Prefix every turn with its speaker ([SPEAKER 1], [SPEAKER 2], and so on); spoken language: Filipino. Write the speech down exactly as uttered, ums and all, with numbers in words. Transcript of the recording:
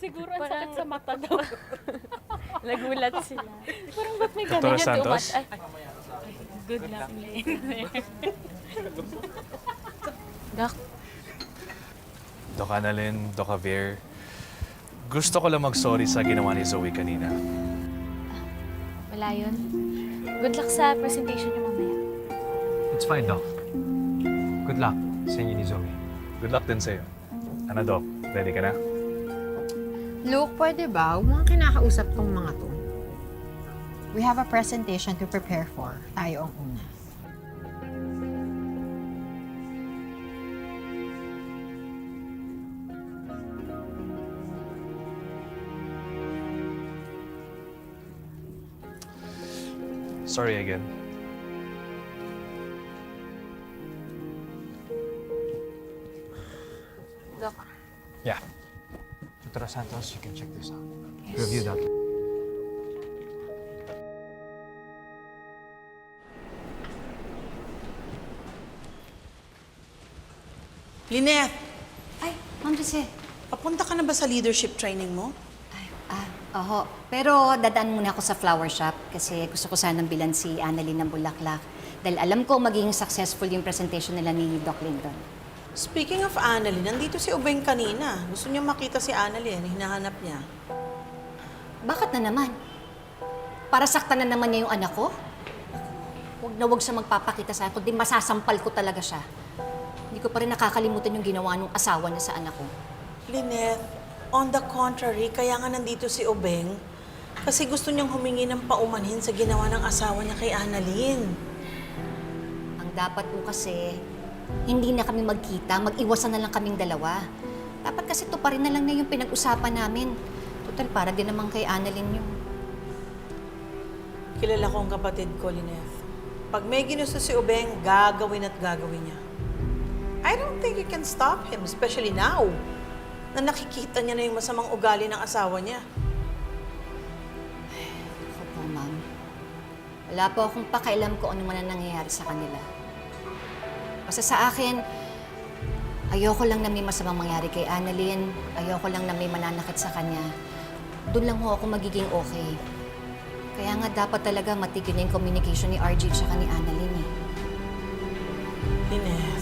[SPEAKER 1] siguro ang sakit sa mata daw.
[SPEAKER 2] Nagulat sila.
[SPEAKER 1] Parang ba't may
[SPEAKER 3] Doktora
[SPEAKER 1] ganun?
[SPEAKER 3] Santos?
[SPEAKER 2] Ay,
[SPEAKER 1] Good luck, Lane.
[SPEAKER 2] Doc,
[SPEAKER 3] Doc Annalyn, Doc Javier, gusto ko lang mag-sorry sa ginawa ni Zoe kanina.
[SPEAKER 2] wala yun. Good luck sa presentation niyo mamaya.
[SPEAKER 4] It's fine, Doc. Good luck sa inyo ni Zoe.
[SPEAKER 3] Good luck din sa'yo. Ano, Doc? Ready ka na?
[SPEAKER 5] Luke, pwede ba? Huwag mong kinakausap tong mga to. We have a presentation to prepare for. Tayo ang una.
[SPEAKER 3] Sorry again.
[SPEAKER 2] Doc,
[SPEAKER 3] Yeah.
[SPEAKER 4] Doctor Santos, you can check this out. Review that.
[SPEAKER 6] Lynette,
[SPEAKER 7] Ay, Ma'am Jose.
[SPEAKER 6] papunta ka na ba sa leadership training mo?
[SPEAKER 7] Ay, ah, oho. Pero dadaan muna ako sa flower shop kasi gusto ko sanang bilan si Annalyn ng bulaklak. Dahil alam ko magiging successful yung presentation nila ni Doc Linton.
[SPEAKER 6] Speaking of Annalyn, nandito si Ubeng kanina. Gusto niya makita si Annalyn, hinahanap niya.
[SPEAKER 7] Bakit na naman? Para saktan na naman niya yung anak ko? Huwag na huwag siya magpapakita sa akin, kundi masasampal ko talaga siya. Hindi ko pa rin nakakalimutan yung ginawa ng asawa niya sa anak ko.
[SPEAKER 6] Lynette, on the contrary, kaya nga nandito si Ubeng kasi gusto niyang humingi ng paumanhin sa ginawa ng asawa niya kay Annalyn.
[SPEAKER 7] Ang dapat po kasi, hindi na kami magkita, mag-iwasan na lang kaming dalawa. Dapat kasi to pa rin na lang na yung pinag-usapan namin. Total, para din naman kay Annalyn yung...
[SPEAKER 6] Kilala ko ang kapatid ko, Lynette. Pag may ginusto si Ubeng, gagawin at gagawin niya. I don't think you can stop him, especially now, na nakikita niya na yung masamang ugali ng asawa niya.
[SPEAKER 7] Ako po, ma'am. Wala po akong pakialam kung ano man ang nangyayari sa kanila. Basta sa akin, ayoko lang na may masamang mangyari kay Annalyn. Ayoko lang na may mananakit sa kanya. Doon lang ho ako magiging okay. Kaya nga dapat talaga matigil na yung communication ni R J at ni Annalyn eh.
[SPEAKER 6] Lynette,